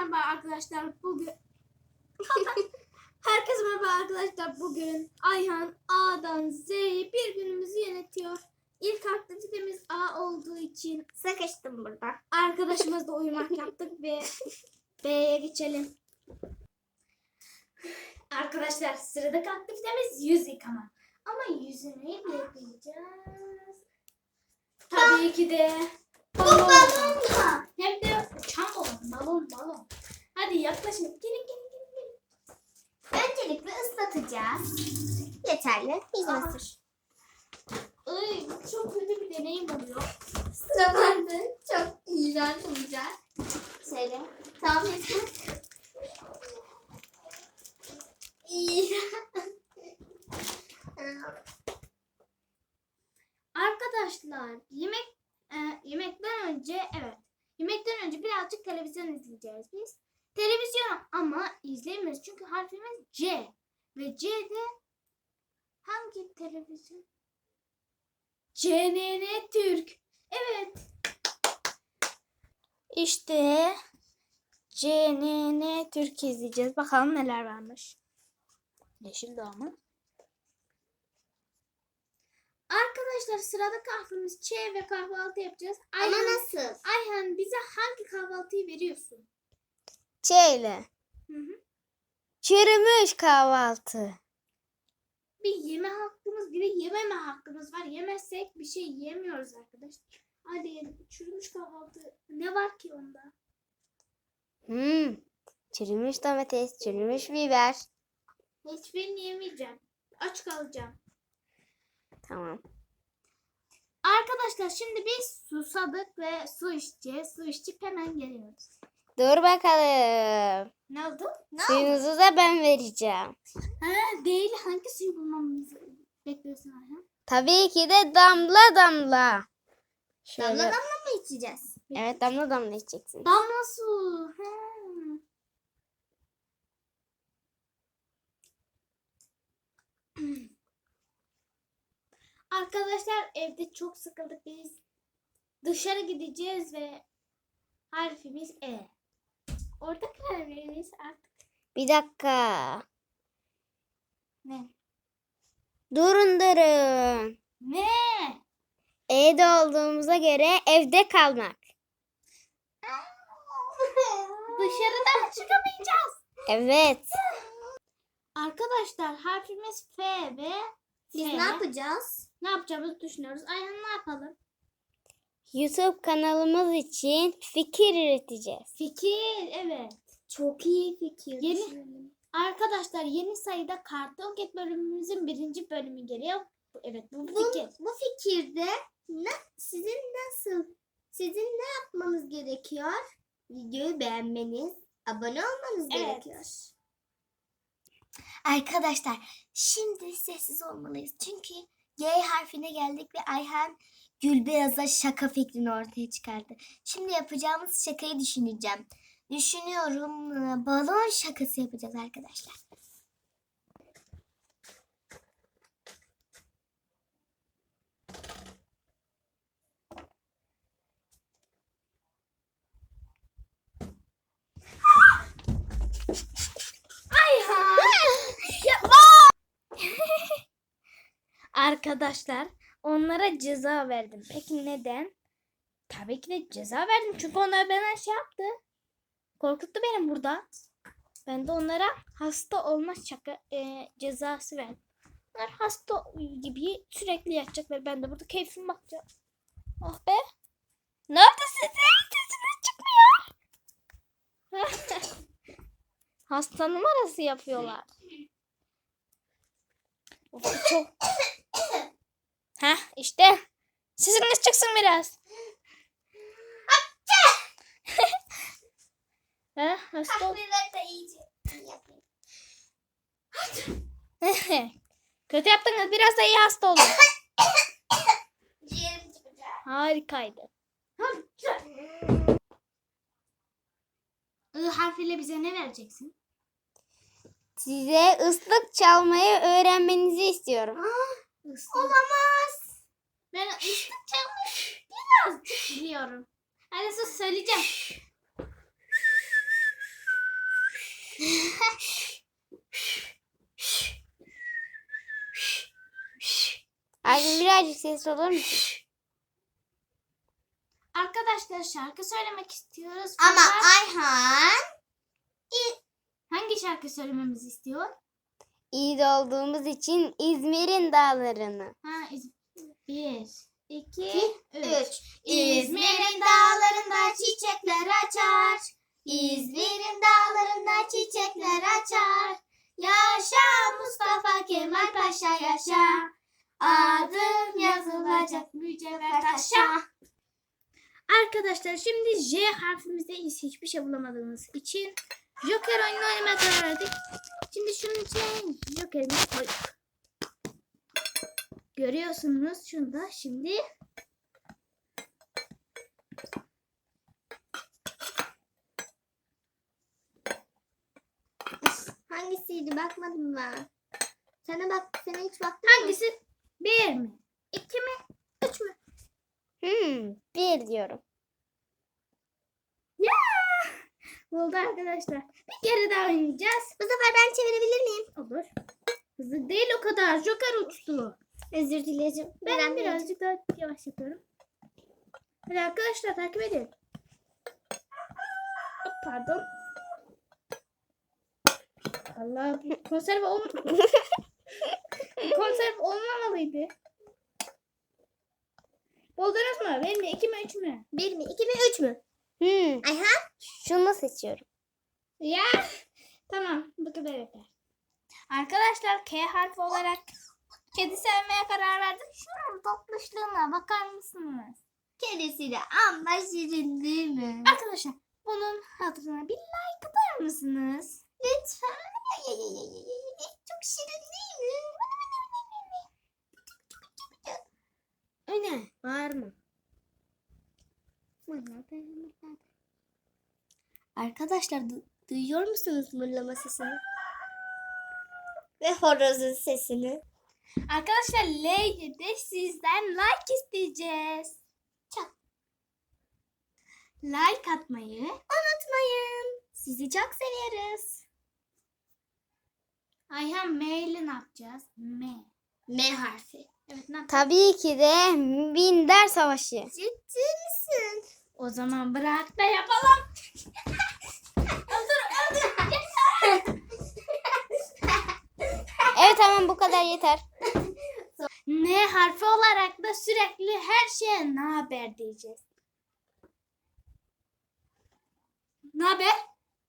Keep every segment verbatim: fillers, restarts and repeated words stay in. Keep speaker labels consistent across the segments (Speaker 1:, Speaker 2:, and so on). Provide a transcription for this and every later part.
Speaker 1: merhaba arkadaşlar. Bugün Herkese merhaba arkadaşlar. Bugün Ayhan A'dan Z'ye bir günümüzü yönetiyor. İlk aktivitemiz A olduğu için
Speaker 2: Sıkıştım burada.
Speaker 1: arkadaşımızla uyumak yaptık ve B'ye geçelim. Arkadaşlar sıradaki aktivitemiz yüz yıkama. Ama yüzü neyle yıkayacağız? Tabii ki de balon.
Speaker 2: Balonla.
Speaker 1: Hem de uçan balon. Balon balon. Hadi yaklaşın. Gelin gelin gelin. gelin.
Speaker 2: Öncelikle ıslatacağız. Yeterli. Yüzüne sür.
Speaker 1: Ay, çok kötü bir deneyim oluyor.
Speaker 2: Sıra bende. Çok iğrenç olacak. Şöyle. Tamam yeter.
Speaker 1: Arkadaşlar yemek e, yemekten önce evet yemekten önce birazcık televizyon izleyeceğiz biz. Televizyon ama izleyemiyoruz çünkü harfimiz C ve C'de hangi televizyon? C N N Türk. Evet. İşte C N N Türk izleyeceğiz. Bakalım neler varmış. Yeşil Dağ mı? Arkadaşlar sırada kahvemiz Ç ve kahvaltı yapacağız.
Speaker 2: Ama
Speaker 1: Ayhan,
Speaker 2: nasıl?
Speaker 1: Ayhan bize hangi kahvaltıyı veriyorsun?
Speaker 3: Çeyle.
Speaker 1: Hı hı.
Speaker 3: Çürümüş kahvaltı.
Speaker 1: Bir yeme hakkımız bir de yememe hakkımız var. Yemezsek bir şey yiyemiyoruz arkadaşlar. Hadi yiyelim. Çürümüş kahvaltı. Ne var ki onda?
Speaker 3: Hmm. Çürümüş domates, çürümüş biber.
Speaker 1: Hiçbirini yemeyeceğim. Aç kalacağım.
Speaker 3: Tamam.
Speaker 1: Arkadaşlar şimdi biz susadık ve su içeceğiz. Su içip hemen geliyoruz.
Speaker 3: Dur bakalım.
Speaker 1: Ne oldu? Ne oldu?
Speaker 3: Suyunuzu da ben vereceğim.
Speaker 1: Ha, değil. Hangi suyu bulmamızı bekliyorsun Ayhan?
Speaker 3: Tabii ki de damla damla. Şöyle.
Speaker 2: Damla damla mı içeceğiz?
Speaker 3: Evet, damla damla içeceksin.
Speaker 1: Damla su. Ha. Arkadaşlar evde çok sıkıldık biz. Dışarı gideceğiz ve harfimiz E. Orada karar veririz artık.
Speaker 3: Bir dakika.
Speaker 1: Ne?
Speaker 3: Durun durun.
Speaker 1: Ne?
Speaker 3: Evde olduğumuza göre evde kalmak.
Speaker 1: Dışarıdan çıkamayacağız.
Speaker 3: Evet.
Speaker 1: Arkadaşlar harfimiz F ve
Speaker 2: Biz
Speaker 1: T.
Speaker 2: ne yapacağız?
Speaker 1: Ne yapacağımızı düşünüyoruz. Ayhan ne yapalım?
Speaker 3: YouTube kanalımız için fikir üreteceğiz.
Speaker 1: Fikir, evet.
Speaker 2: Çok iyi fikir.
Speaker 1: Yeni arkadaşlar yeni sayıda Karton Cat bölümümüzün birinci bölümü geliyor. Bu- Evet bu
Speaker 2: Bu,
Speaker 1: fikir.
Speaker 2: bu fikirde ne, sizin nasıl, sizin ne yapmanız gerekiyor? Videoyu beğenmeniz, abone olmanız
Speaker 1: Evet.
Speaker 2: gerekiyor. Arkadaşlar şimdi sessiz olmalıyız. Çünkü G harfine geldik ve Ayhan Gülbeyaz'a şaka fikrini ortaya çıkardı. Şimdi yapacağımız şakayı düşüneceğim. Düşünüyorum e, balon şakası yapacağız arkadaşlar.
Speaker 1: Ayhan. Arkadaşlar onlara ceza verdim. Peki neden? Tabii ki de ceza verdim. Çünkü onlar bana şey yaptı. Korkuttu beni burada. Ben de onlara hasta olma şaka e, cezası verdim. Onlar hasta gibi sürekli yatacaklar. Ben de burada keyfime bakacağım. Oh be. Neredesiniz? Sesiniz çıkmıyor. Hasta numarası yapıyorlar. Of, çok. Heh işte. Sesiniz çıksın biraz. Ha, hasta ol-
Speaker 2: da iyice yapayım.
Speaker 1: Kötü yaptınız. Biraz da iyi hasta olun.
Speaker 2: Ciğerim çıkacak.
Speaker 1: Harikaydı. I harfiyle bize ne vereceksin?
Speaker 3: Size ıslık çalmayı öğrenmenizi istiyorum.
Speaker 2: Olamaz.
Speaker 1: Ben ıslık çalmayı birazcık biliyorum. Hadi sus söyleyeceğim.
Speaker 3: birazcık ses olur mu?
Speaker 1: Arkadaşlar şarkı söylemek istiyoruz.
Speaker 2: Ama
Speaker 1: fakat
Speaker 2: Ayhan
Speaker 1: hangi şarkı söylememizi istiyor?
Speaker 3: İyi de olduğumuz için İzmir'in dağlarını.
Speaker 1: Ha, iz- bir, iki, üç.
Speaker 2: üç. İzmir'in dağlarında çiçekler açar. İzmir'in dağlarında çiçekler açar. Yaşa Mustafa Kemal Paşa yaşa. Adın yazılacak mücevher taşa.
Speaker 1: Arkadaşlar şimdi J harfimizde hiçbir şey bulamadığımız için Joker oyunu oynamaya karar verdik. Şimdi şunun içine Joker'imizi koyduk. Görüyorsunuz şunda şimdi.
Speaker 2: Hangisiydi bakmadım ben. Sana bak, sana hiç baktın mı?
Speaker 1: Hangisi? Bir mi? İki mi? Üç mü?
Speaker 3: Hmm, bir diyorum.
Speaker 1: Ya! Oldu arkadaşlar. Bir kere daha oynayacağız.
Speaker 2: Bu sefer ben çevirebilir miyim?
Speaker 1: Olur. Hızlı değil o kadar. Joker uçtu.
Speaker 2: Özür dilerim.
Speaker 1: Ben birazcık daha yavaş yapıyorum. Hadi arkadaşlar takip edin. Hop, pardon. Allah bu konserve ol konserve olmamalıydı. Buldunuz mu? Benim mi? İki mi? Üç mü?
Speaker 2: Bir mi? iki mi? Üç mü?
Speaker 3: Hmm,
Speaker 2: Ayhan.
Speaker 3: şunu seçiyorum.
Speaker 1: Ya. Tamam. Bu kadar yeter. Arkadaşlar K harfi olarak kedi sevmeye karar verdim. Şunun tatlışlığına bakar mısınız?
Speaker 2: Kedisi de amma şirin değil mi?
Speaker 1: Arkadaşlar bunun hatırına bir like atar mısınız?
Speaker 2: Lütfen. Ay, ay, ay, ay, ay. Çok şirin değil mi?
Speaker 3: Öyle. Var mı?
Speaker 2: Arkadaşlar du- duyuyor musunuz mırlama sesini? Ve horozun sesini.
Speaker 1: Arkadaşlar L'ye de sizden like isteyeceğiz.
Speaker 2: Çok.
Speaker 1: Like atmayı.
Speaker 2: Unutmayın. Sizi çok severiz.
Speaker 1: Ayhan M ile ne yapacağız? M.
Speaker 2: M harfi.
Speaker 1: Evet ne yapacağız?
Speaker 3: Tabii ki de Minder Savaşı.
Speaker 2: Ciddi misin?
Speaker 1: O zaman bırak da yapalım. öldür öldür.
Speaker 3: Evet tamam bu kadar yeter.
Speaker 1: N harfi olarak da sürekli her şeye ne haber diyeceğiz. Ne haber?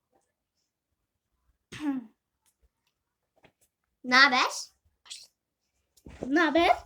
Speaker 2: Ne haber?
Speaker 1: Ne haber?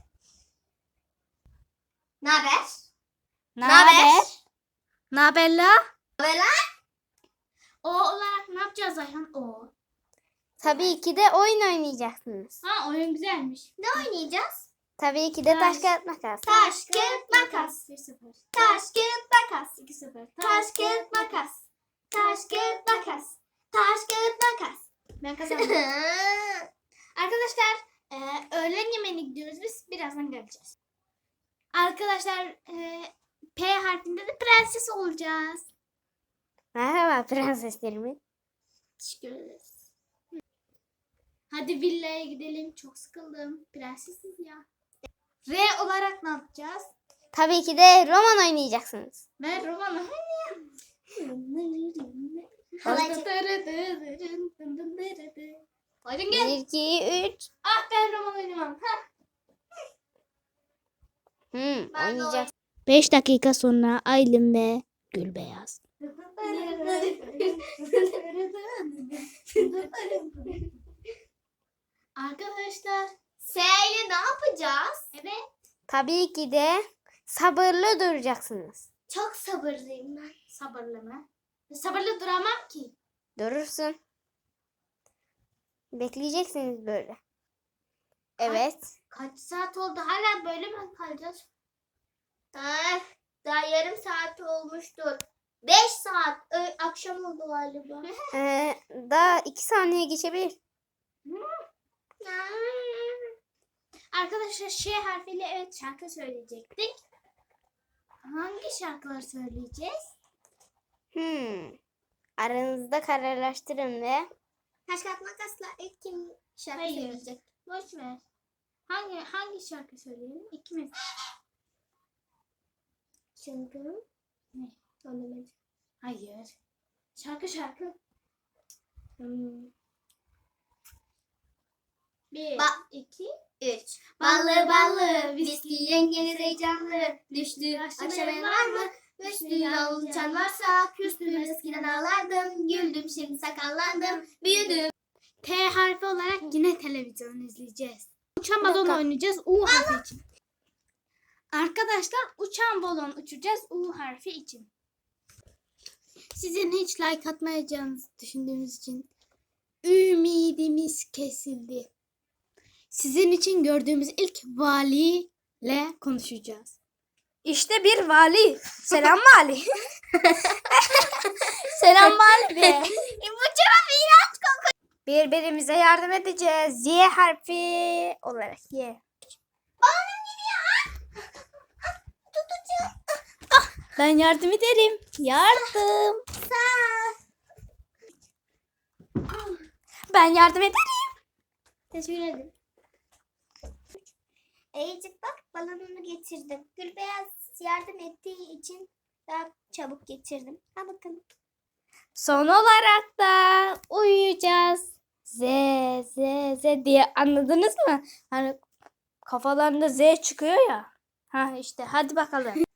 Speaker 2: Ne haber?
Speaker 3: Ne
Speaker 2: haber?
Speaker 1: Ne haber la?
Speaker 2: Ne haber lan?
Speaker 1: O olarak ne yapacağız Ayhan? O.
Speaker 3: Tabii ki de oyun oynayacaksınız.
Speaker 1: Ha oyun güzelmiş.
Speaker 2: Ne oynayacağız?
Speaker 3: Tabii ki de taş
Speaker 1: Taş.
Speaker 3: kağıt makas.
Speaker 2: Taş, kağıt, makas.
Speaker 1: bir sıfır.
Speaker 2: Taş, kağıt, makas.
Speaker 1: iki sıfır.
Speaker 2: Taş, kağıt, makas. Taş, kağıt, makas. Taş, kağıt, makas.
Speaker 1: Ben kazandım. Arkadaşlar e, öğlen yemeğine gidiyoruz biz. Birazdan geleceğiz. Arkadaşlar e, P harfinde de prenses olacağız.
Speaker 3: Merhaba prenseslerimiz.
Speaker 2: Teşekkür ederiz.
Speaker 1: Hadi villaya gidelim. Çok sıkıldım. Prensesiz ya. R olarak ne yapacağız?
Speaker 3: Tabii ki de roman oynayacaksınız.
Speaker 1: Ben romanı.
Speaker 2: Halacık.
Speaker 1: Hadi gel.
Speaker 3: bir, iki, üç.
Speaker 1: Ah ben roman oynamam.
Speaker 3: Hmm,
Speaker 2: Ben de
Speaker 3: oynayacaksın.
Speaker 1: beş dakika sonra Aylin ve Gülbeyaz. Arkadaşlar.
Speaker 2: S ile ne yapacağız?
Speaker 1: Evet.
Speaker 3: Tabii ki de sabırlı duracaksınız.
Speaker 2: Çok sabırlıyım ben.
Speaker 1: Sabırlı mı? Sabırlı duramam ki.
Speaker 3: Durursun. Bekleyeceksiniz böyle. Evet.
Speaker 1: Kaç saat oldu? Hala böyle mi kalacağız?
Speaker 2: Ah, daha yarım saat olmuştur. Beş saat. Ö- akşam oldu galiba.
Speaker 3: Ee, daha iki saniye geçebilir.
Speaker 1: Arkadaşlar Ş harfiyle evet şarkı söyleyecektik. Hangi şarkıları söyleyeceğiz?
Speaker 3: Hmm. Aranızda kararlaştırın ve
Speaker 2: Taş kağıt makasla ilk kim şarkı
Speaker 1: Hayır.
Speaker 2: söyleyecek?
Speaker 1: Boş ver. Hangi hangi şarkı söyleyelim? İkimiz.
Speaker 2: Şarkı.
Speaker 1: Ne?
Speaker 2: Anlamadım.
Speaker 1: Hayır. Şarkı şarkı. Hmm. Bir,
Speaker 2: Ba-
Speaker 1: iki,
Speaker 2: Üç. Ballı ballı, viski yengeniz heyecanlı. Düştü aşamaya var mı? Üstü yol uçan varsa, küstüm eskiden ağlardım. Güldüm şimdi sakallandım, büyüdüm.
Speaker 1: T harfi olarak yine televizyon izleyeceğiz. Uçan balon
Speaker 2: dakika.
Speaker 1: oynayacağız U harfi için. Arkadaşlar uçan balon uçacağız U harfi için. Sizin hiç like atmayacağınızı düşündüğümüz için ümidimiz kesildi. Sizin için gördüğümüz ilk valiyle konuşacağız. İşte bir vali. Selam vali. Selam vali be.
Speaker 2: E, bu çok iğrenç kokuyor.
Speaker 1: Birbirimize yardım edeceğiz. Y harfi olarak Y.
Speaker 2: Balonum gidiyor. Tutacağım.
Speaker 1: Ben yardım ederim. Yardım.
Speaker 2: Sağ.
Speaker 1: Ben yardım ederim.
Speaker 2: Teşekkür ederim. Eycik bak balonumu getirdim. Gülbeyaz yardım ettiği için daha çabuk getirdim. Ha bakın.
Speaker 1: Son olarak da uyuyacağız. Z, Z, Z diye anladınız mı? Hani kafalarında Z çıkıyor ya. Ha işte hadi bakalım.